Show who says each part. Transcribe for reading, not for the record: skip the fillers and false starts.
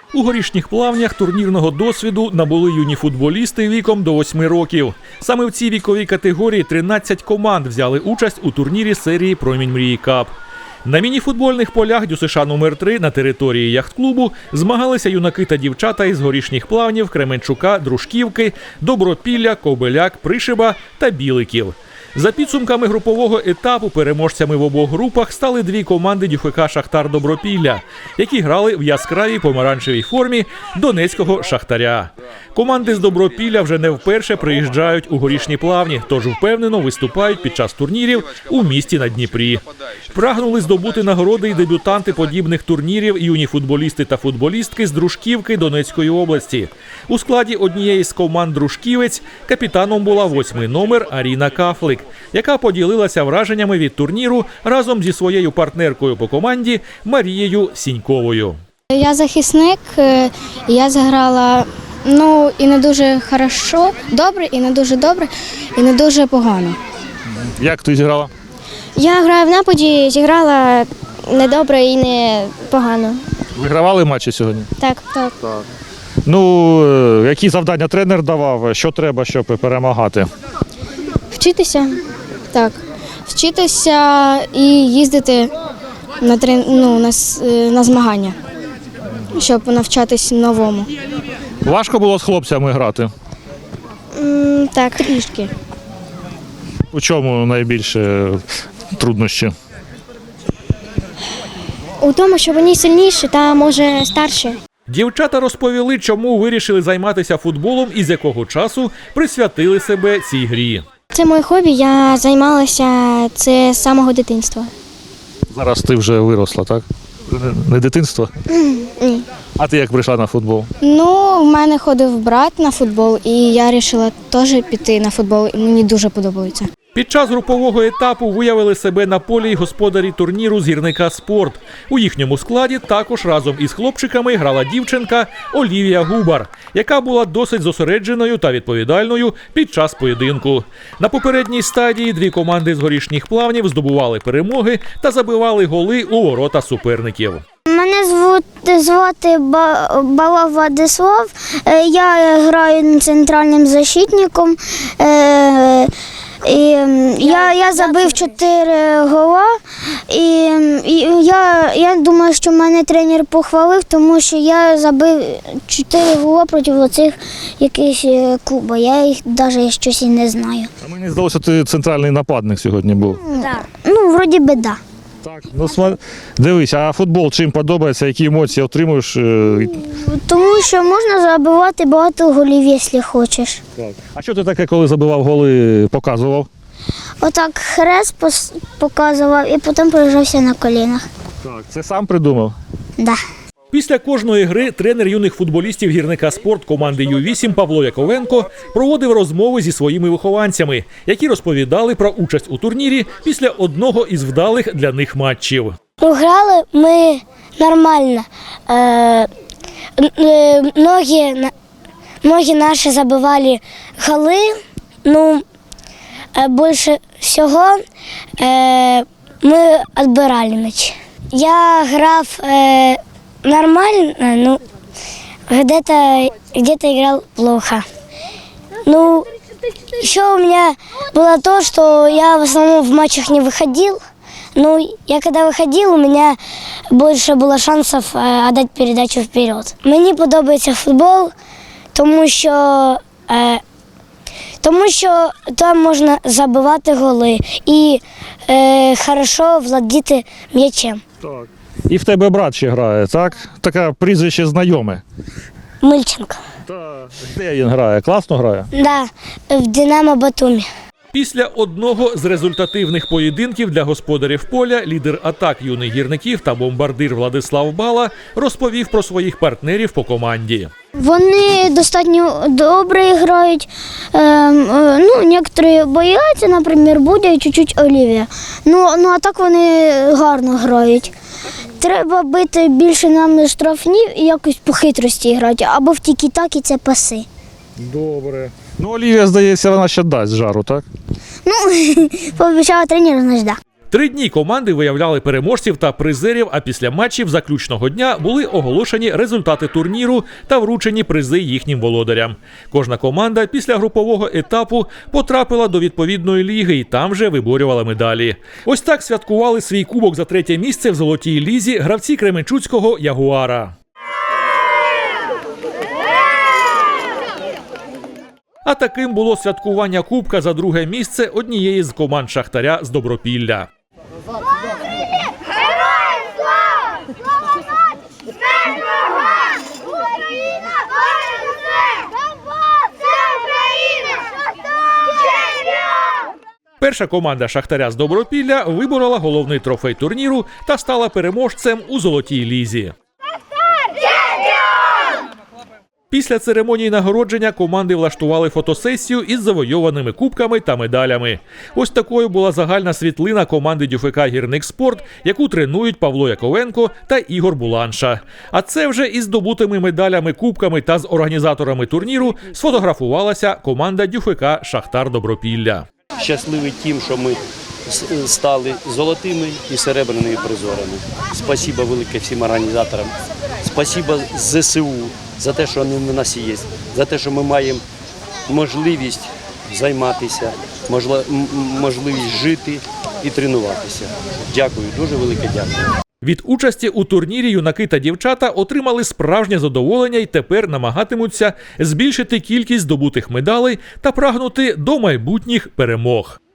Speaker 1: У Горішніх Плавнях турнірного досвіду набули юні футболісти віком до 8 років. Саме в цій віковій категорії 13 команд взяли участь у турнірі серії «Промінь мрії Кап». На мініфутбольних полях ДЮСШ номер 3 на території яхт-клубу змагалися юнаки та дівчата із Горішніх Плавнів, Кременчука, Дружківки, Добропілля, Кобеляк, Пришиба та Біликів. За підсумками групового етапу переможцями в обох групах стали дві команди ДЮФК «Шахтар Добропілля», які грали в яскравій помаранчевій формі донецького «Шахтаря». Команди з Добропілля вже не вперше приїжджають у Горішні Плавні, тож впевнено виступають під час турнірів у місті на Дніпрі. Прагнули здобути нагороди й дебютанти подібних турнірів, юні футболісти та футболістки з Дружківки Донецької області. У складі однієї з команд «Дружківець» капітаном була 8-й номер Аріна Кафлик, яка поділилася враженнями від турніру разом зі своєю партнеркою по команді Марією Сіньковою.
Speaker 2: Я захисник, я зіграла і не дуже добре, і не дуже добре, і не дуже погано.
Speaker 3: Як ти зіграла?
Speaker 2: Я граю в нападі, зіграла не добре і не погано.
Speaker 3: Вигравали матчі сьогодні?
Speaker 2: Так.
Speaker 3: Які завдання тренер давав, що треба, щоб перемагати?
Speaker 2: Вчитися, вчитися і їздити на змагання, щоб навчатись новому.
Speaker 3: Важко було з хлопцями грати?
Speaker 2: Так, трішки.
Speaker 3: У чому найбільше труднощі?
Speaker 2: У тому, що вони сильніші та, може, старші.
Speaker 1: Дівчата розповіли, чому вирішили займатися футболом і з якого часу присвятили себе цій грі.
Speaker 2: Це моє хобі, я займалася це з самого дитинства.
Speaker 3: Зараз ти вже виросла, так? Не дитинство?
Speaker 2: Ні.
Speaker 3: А ти як прийшла на футбол?
Speaker 2: В мене ходив брат на футбол, і я вирішила теж піти на футбол, і мені дуже подобається.
Speaker 1: Під час групового етапу виявили себе на полі й господарі турніру з гірника «Спорт». У їхньому складі також разом із хлопчиками грала дівчинка Олівія Губар, яка була досить зосередженою та відповідальною під час поєдинку. На попередній стадії дві команди з Горішніх Плавнів здобували перемоги та забивали голи у ворота суперників.
Speaker 4: Мене звати Балав Владислав, я граю центральним защитником. Я забив 4 гола, і я думаю, що мене тренер похвалив, тому що я забив 4 гола проти оцих якихось клубів. Я їх навіть щось і не знаю.
Speaker 3: А мені здалося, ти центральний нападник сьогодні був.
Speaker 4: Так. Вроді би, так.
Speaker 3: Так, дивись, а футбол чим подобається, які емоції отримуєш?
Speaker 4: Тому що можна забивати багато голів, якщо хочеш.
Speaker 3: Так. А що ти таке, коли забивав голи, показував?
Speaker 4: Отак хрест показував і потім прижався на колінах.
Speaker 3: Так. Це сам придумав?
Speaker 4: Да.
Speaker 1: Після кожної гри тренер юних футболістів гірника «Спорт» команди Ю-8 Павло Яковенко проводив розмови зі своїми вихованцями, які розповідали про участь у турнірі після одного із вдалих для них матчів.
Speaker 4: Грали ми нормально. Многі наші забивали голи. Більше всього ми відбирали м'яч. Я грав нормально, где-то играл плохо. Еще у меня было то, что я в основном в матчах не выходил. Я когда выходил, у меня больше было шансов отдать передачу вперед. Мені подобається футбол, тому що там можна забивати голи і хорошо владіти м'ячем.
Speaker 3: Так. І в тебе брат ще грає, так? Таке прізвище знайоме.
Speaker 4: Мильченко.
Speaker 3: Так. Де він грає? Класно грає?
Speaker 4: Да, в Динамо Батумі.
Speaker 1: Після одного з результативних поєдинків для господарів поля лідер атак юних гірників та бомбардир Владислав Бала розповів про своїх партнерів по команді.
Speaker 4: Вони достатньо добре грають. Некоторі бояться, наприклад, Будя і чуть-чуть Олівія. А так вони гарно грають. Треба бити більше нам штрафні і якось по хитрості грати, або в тікі-такі це паси.
Speaker 3: Добре. Олівія, здається, вона ще дасть жару, так?
Speaker 4: Пообіцяла тренер, значить, да.
Speaker 1: 3 дні команди виявляли переможців та призерів, а після матчів заключного дня були оголошені результати турніру та вручені призи їхнім володарям. Кожна команда після групового етапу потрапила до відповідної ліги і там же виборювала медалі. Ось так святкували свій кубок за 3-те місце в золотій лізі гравці кременчуцького «Ягуара». А таким було святкування кубка за 2-ге місце однієї з команд «Шахтаря» з Добропілля.
Speaker 5: Героям слава! Слава нації! Смерть ворогам! Україна понад усе! Донбас! Це Україна! Шахтар! Чемпіон!
Speaker 1: Перша команда «Шахтаря» з Добропілля виборола головний трофей турніру та стала переможцем у золотій лізі. Після церемонії нагородження команди влаштували фотосесію із завойованими кубками та медалями. Ось такою була загальна світлина команди ДЮФК «Гірникспорт», яку тренують Павло Яковенко та Ігор Буланша. А це вже із здобутими медалями, кубками та з організаторами турніру сфотографувалася команда ДЮФК «Шахтар Добропілля».
Speaker 6: Щасливий тим, що ми стали золотими і серебряними призорами. Спасибо велике всім організаторам. Спасибо ЗСУ за те, що вони в нас є, за те, що ми маємо можливість займатися, можливість жити і тренуватися. Дякую, дуже велике дякую.
Speaker 1: Від участі у турнірі юнаки та дівчата отримали справжнє задоволення і тепер намагатимуться збільшити кількість здобутих медалей та прагнути до майбутніх перемог.